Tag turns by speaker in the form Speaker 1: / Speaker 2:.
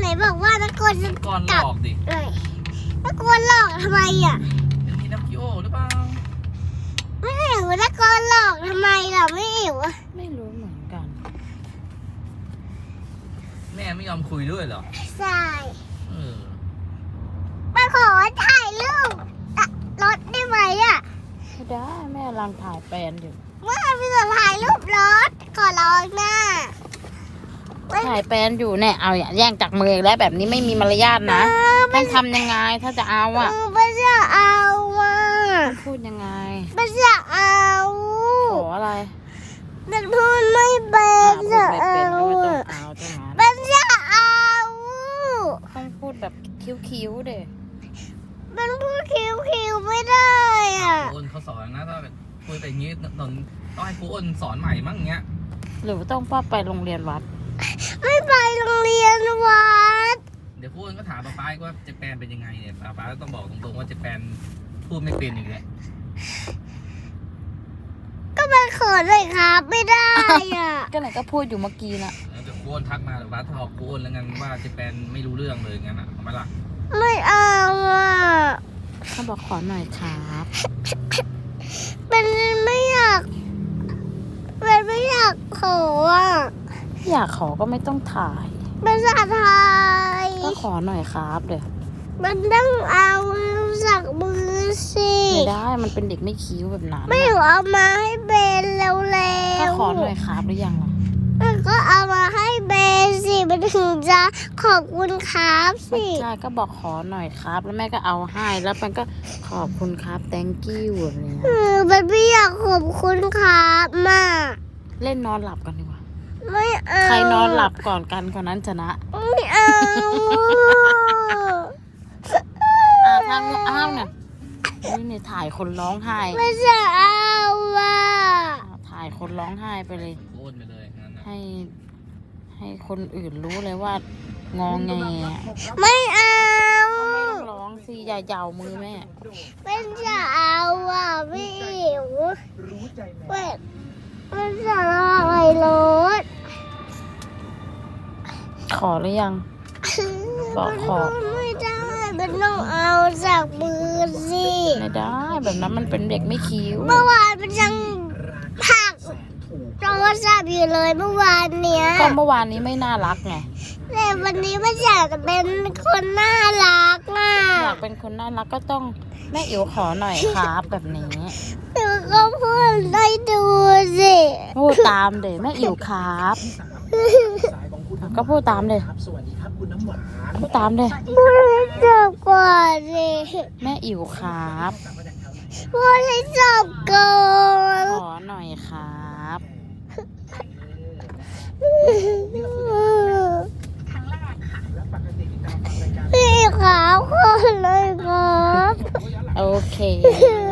Speaker 1: บอกว่านักกวนจะ
Speaker 2: ก่อนหลอกดิ
Speaker 1: นักกวนหลอกทำไมอ่ะ
Speaker 2: เป็นที่น้ำคิโอหรือเปล่า
Speaker 1: ไม่เห็นว่านักกวนหลอกทำไมล่ะไม่เห็นวะ
Speaker 3: ไม่รู้เหมือนกัน
Speaker 2: แม่ไม่ยอมคุยด้วยเหรอ
Speaker 1: ใช่
Speaker 2: เออ
Speaker 1: มาขอถ่ายรูปรถได้ไหมอ่ะ
Speaker 3: ไม่ได้แม่กำลังถ่ายแปลนอยู่
Speaker 1: เมื่อพี่จะถ่ายรูปรถขอร้องหน้า
Speaker 3: ถ่ายแปลนอยู่เนี่ยเอาอย่าแย่งจากมืออีกแล้วแบบนี้ไม่มีมารยาทนะต้องทำยังไงถ้าจะเอาอ่ะ
Speaker 1: ไม่จะเอาอ่ะ
Speaker 3: พูดยังไง
Speaker 1: ไม่จะเอา
Speaker 3: ขออะไร
Speaker 1: นักพูดไม่เป็น
Speaker 3: พู
Speaker 1: จะ
Speaker 3: ดไม่
Speaker 1: เอา
Speaker 3: เป็นก็ไม่ต้อง
Speaker 1: อะ
Speaker 3: เอาจังนั้น
Speaker 1: ไม่จะเอา
Speaker 3: ต้องพูดแบบคิ้วๆเด้
Speaker 1: มันพูดคิวไม่ได้อ่ะ
Speaker 2: ครูอ้นเขาสอนนะถ้าคุยแต่อย่างนี้ต้องให้ครูอ้นสอนใหม่มั้งอย่างเงี้ย
Speaker 3: หรือต้องป้าไปโรงเรียนวัด
Speaker 1: ไม่ไปโรงเรียนวัด
Speaker 2: เดี๋ยวครูอ้นก็ถามป๊าว่าเจแปนเป็นยังไงเนี่ยป๊าก็ต้องบอกตรงๆว่าเจแปนพูดไม่เป็นอีกแล้ว
Speaker 1: ก็มันเขินเลยครับไม่ได้อ่ะ
Speaker 3: ก็ไหนก็พูดอยู่เมื่อกี้น่ะ
Speaker 2: แล้วเดี๋ยวครูอ้นทักมาเดี๋ยวป๊าถอกครูอ้นแล้วกันว่าเจแปนไม่รู้เรื่องเลยงั้นอ่ะเอาไหมล่ะ
Speaker 1: ไม่เอาอ่ะ
Speaker 3: เขาบอกขอหน่อยครับ
Speaker 1: มันไม่อยากมันไม่อยากขออ่ะ
Speaker 3: อยากขอก็ไม่ต้องถ่าย
Speaker 1: ภาษาไทย
Speaker 3: ก็ขอหน่อยครับเดี๋ยว
Speaker 1: มันต้องเอาจากมือสิ
Speaker 3: ไม่ได้มันเป็นเด็กไม่คิ้วแบบนั้น
Speaker 1: ไม่
Speaker 3: น่ะ
Speaker 1: เอามาให้เบนเร็ว
Speaker 3: ก็
Speaker 1: ๆ
Speaker 3: ขอหน่อยครับหรือยังล่ะ
Speaker 1: มันก็เอามาให้เบนสิมันถึงจะขอบคุณครับสิ
Speaker 3: ใช่ก็บอกขอหน่อยครับ แล้วแม่ก็เอาให้แล้วมันก็ขอบคุณครับ thank you แบบนี้
Speaker 1: มันไม่อยากขอบคุณครับมาก
Speaker 3: เล่นนอนหลับกันดีกว่า
Speaker 1: ไม่เอา
Speaker 3: ใครนอนหลับก่อนกันคนนั้นชนะ
Speaker 1: ไม่เอา
Speaker 3: ทางอ้าวเนี่ยนี่ถ่ายคนร้องไห้
Speaker 1: ไม่จะเอาอ่ะ
Speaker 3: ถ่ายคนร้องไห้ไปเลย
Speaker 2: ครูอ้นไปเลยงั้นนะ
Speaker 3: ให้คนอื่นรู้เลยว่างองแงอะ
Speaker 1: ไม่เอา
Speaker 3: ก็ไม่ต้องร้องสิอย่าเหยามือแม่
Speaker 1: ไม่จะเอาอ่ะไม่หิวเว้ยมันจะรออะไรรถ
Speaker 3: ขอหรือยัง บอกขอ
Speaker 1: ไม่ได้มันต้องเอาจากมือสิ
Speaker 3: ไม่ได้แบบนั้นมันเป็นเด็กไม่คิ้ว
Speaker 1: เมื่อวานมันยังผักโทรศัพท์อยู่เลยเมื่อวานเนี้ย
Speaker 3: ก็เมื่อวานนี้ไม่น่ารักไง
Speaker 1: แต่วันนี้มันอยากเป็นคนน่ารักอ่ะ
Speaker 3: อยากเป็นคนน่ารักก็ต้องแม่อิ๋วขอหน่อยครับแบบนี้
Speaker 1: หนูก็พูดได้ดูสิ
Speaker 3: พูดตามเดี๋ยวแม่อิ๋วครับก็พูดตามเลยพูดตามเลย
Speaker 1: พูดให้จบก่อนสิ
Speaker 3: แม่อิ๋วครับ
Speaker 1: พูดให้จบก่อน
Speaker 3: ขอหน่อยครับ
Speaker 1: พี่ขาวคนเลยครับ
Speaker 3: โอเค
Speaker 1: เ